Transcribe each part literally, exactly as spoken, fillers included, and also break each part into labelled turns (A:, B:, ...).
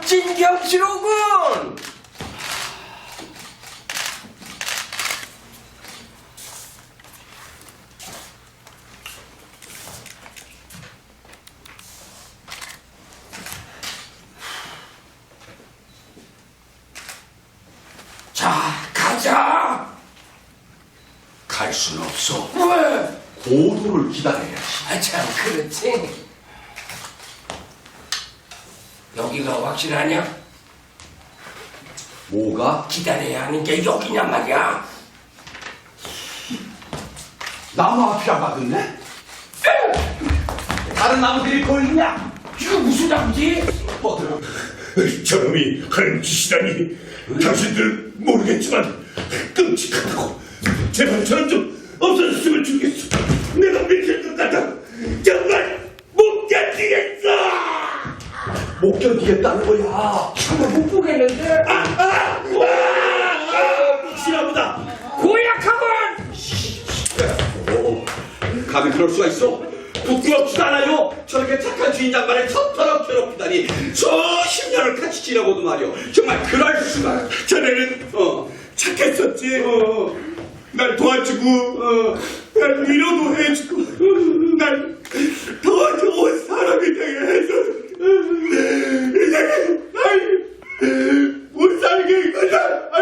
A: 진경치로군. 자, 가자.
B: 갈 수는 없어.
A: 왜?
B: 고도를 기다려야지.
A: 아, 참, 그렇지. 여기가 확실하냐?
B: 뭐가?
A: 기다려야 하는 게 여기냐 말이야.
B: 나무 앞이라 가겠네? 다른 나무들이 보이냐?
A: 이거 무슨 나무지?
B: 뻗어.
C: 저놈이 하는 짓이라니. 당신들 모르겠지만 끔찍하다고. 제발 저놈 좀 없어졌으면 좋겠어. 내가 미칠 것 같아. 정말 못 견디겠어.
B: 못 견디겠다는 거야.
A: 정말 못 보겠는데?
C: 아, 아, 아, 아, 미치나보다.
A: 고약하군!
B: 오, 감히 그럴 수가 있어? 부끄럽지도 않아요. 저렇게 착한 주인 양반을 저토록 괴롭히다니 수십 년을 같이 지내고도 말이오. 정말 그럴 수가.
C: 자네는
B: 어,
C: 착했었지. 어, 날 도와주고, 어, 날 위로도 해주고, 어, 날 더 좋은 사람이 되게 해서. 이제는 날 못 살게 이거다.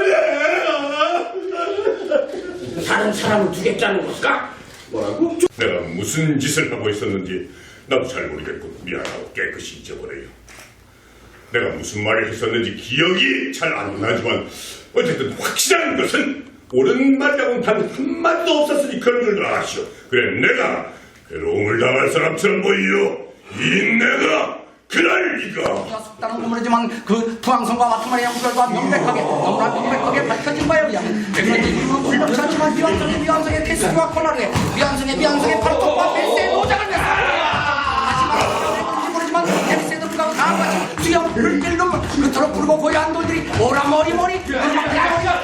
C: 아니야.
A: 다른 사람을 두겠다는 걸까?
B: 뭐라고?
C: 내가 무슨 짓을 하고 있었는지 나도 잘 모르겠고 미안하고 깨끗이 잊어버려요. 내가 무슨 말을 했었는지 기억이 잘 안 나지만 어쨌든 확실한 것은 옳은 말이라고는 단 한마디도 없었으니 그런 줄 아시오. 그래 내가 괴로움을 당할 사람처럼 보이요. 이 내가 그럴 리가.
D: 속담은 모르지만 그 부항성과 같은 말이야 우결과 명백하게 너무나 명백하게 밝혀진 바에 의하면 그런지 이유는 불명치 않지만 미완성의 미완성의 필수와 코너에 미완성의 미완성의 발톱과 벨세의 노장을 냈어. 하지만 그런지 모르지만 벨세도 불가고 다음같이 수염 물질놈 그토록 부르고 고요한 돌들이 오라 머리 머리 음악대야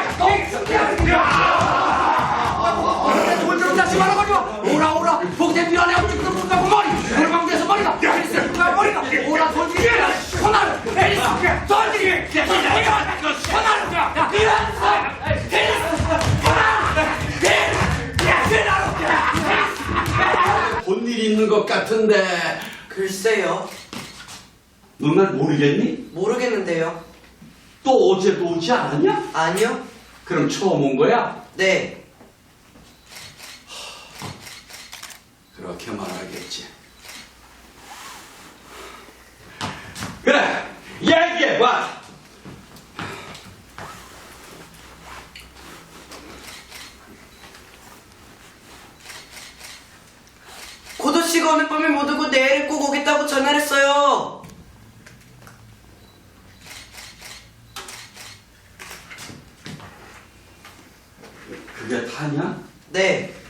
D: 돌들은 다시 말아가지고 오라 오라 복대 미안해 어찌 그런 불가고 머리 물방대에서 머리가 벨세 불가 머리가 오라 돌들이 코너를 벨세 돌들이 코너를
B: 본 일이 있는 것 같은데
E: 글쎄요.
B: 너 날 모르겠니?
E: 모르겠는데요.
B: 또 어제도 오지 않았냐?
E: 아니요?
B: 그럼 처음 온 거야?
E: 네.
B: 그렇게 말하겠지. 그래, 얘기해봐.
E: 고도 씨가 오늘 밤에 못 오고 내일 꼭 오겠다고 전화를 했어요.
B: 그게 다냐?
E: 네.